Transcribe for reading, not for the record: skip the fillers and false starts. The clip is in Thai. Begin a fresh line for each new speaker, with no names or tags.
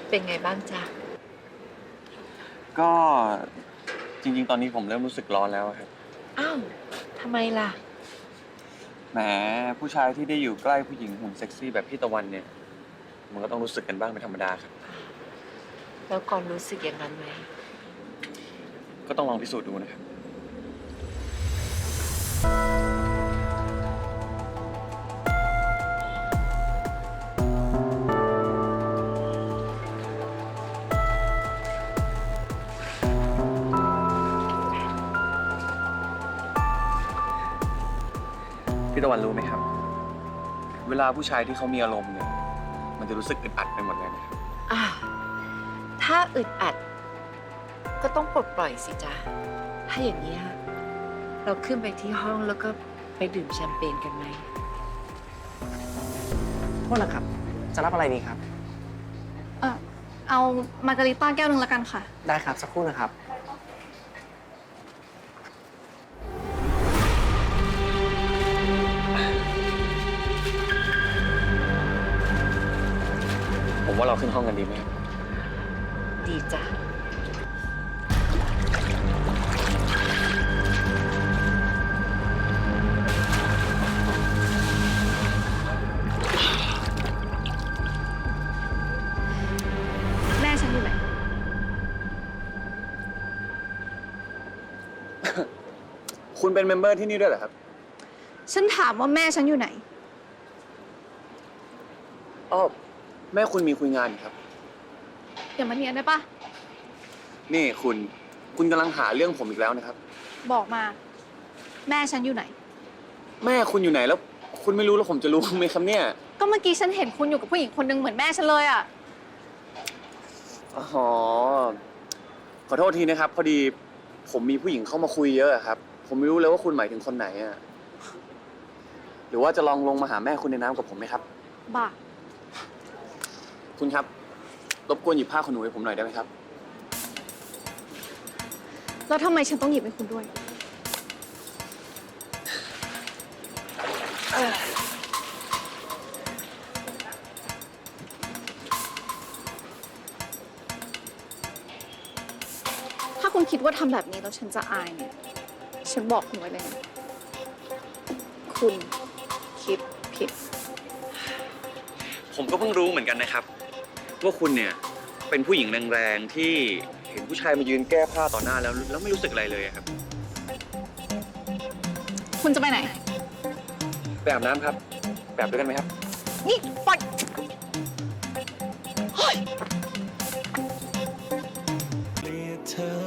เป็นไงบ้างจ๊ะ
ก็จริงๆตอนนี้ผมเริ่มรู้สึกร้อนแล้วครับ
อ้าวทำไมล่ะ
แหมผู้ชายที่ได้อยู่ใกล้ผู้หญิงหุ่นเซ็กซี่แบบพี่ตะวันเนี่ยมันก็ต้องรู้สึกกันบ้างเป็นธรรมดาครับ
แล้วก่อนรู้สึกอย่างนั้นไหม
ก็ต้องลองพิสูจน์ดูนะครับพี่ตะวันรู้ไหมครับ เวลาผู้ชายที่เขามีอารมณ์เนี่ยมันจะรู้สึกอึดอัดไปหมดเลยนะครับ
อ่าถ้าอึดอัด ก็ต้องปลดปล่อยสิจ๊ะ ถ้าอย่างนี้ยเราขึ้นไปที่ห้องแล้วก็ไปดื่มแชมเปญกันไหม
โทษนะครับ จะรับอะไรดีครับ
เอามาการิต้าแก้วหนึ่งละกันค่ะ
ได้ครับ สักครู่นะครับ
ผมว่าเราขึ้นห้องกันดีไหมครับ
ดีจ้ะ
แม่ฉันอยู่ไหน
คุณเป็นเมมเบอร์ที่นี่ด้วยเหรอครับ
ฉันถามว่าแม่ฉันอยู่ไหน
อ๋อแม่คุณมีคุยงานอยู่ครับ
อย่ามาเนียนได้ปะ
นี่คุณกำลังหาเรื่องผมอีกแล้วนะครับ
บอกมา แม่ฉันอยู่ไหน
แม่คุณอยู่ไหนแล้ว คุณไม่รู้แล้วผมจะรู้ไหมครับเนี่ย
ก็เมื่อกี้ฉันเห็นคุณอยู่กับผู้หญิงคนหนึ่งเหมือนแม่ฉันเลยอ่ะ
อ๋อ ขอโทษทีนะครับ พอดีผมมีผู้หญิงเข้ามาคุยเยอะอะครับ ผมไม่รู้เลยว่าคุณหมายถึงคนไหนอะหรือว่าจะลองลงมาหาแม่คุณในน้ำกับผมไหมครับ
บ้า
คุณครับ รบกวนหยิบผ้าขนหนูให้ผมหน่อยได้ไหมครับ
แล้วทำไมฉันต้องหยิบให้คุณด้วย ถ้าคุณคิดว่าทำแบบนี้แล้วฉันจะอายเนี่ย ฉันบอกคุณไว้เลยนะ คุณคิดผิด
ผมก็เพิ่งรู้เหมือนกันนะครับ ว่าคุณเนี่ยเป็นผู้หญิงแรงๆที่เห็นผู้ชายมายืนแก้ผ้าต่อหน้าแล้วไม่รู้สึกอะไรเลยอะครับ
คุณจะไปไหน
ไปอาบน้ำครับไปอาบด้วยกันไหมครับ
นี่ปล่อยเฮ้ย
เกลียดเธอ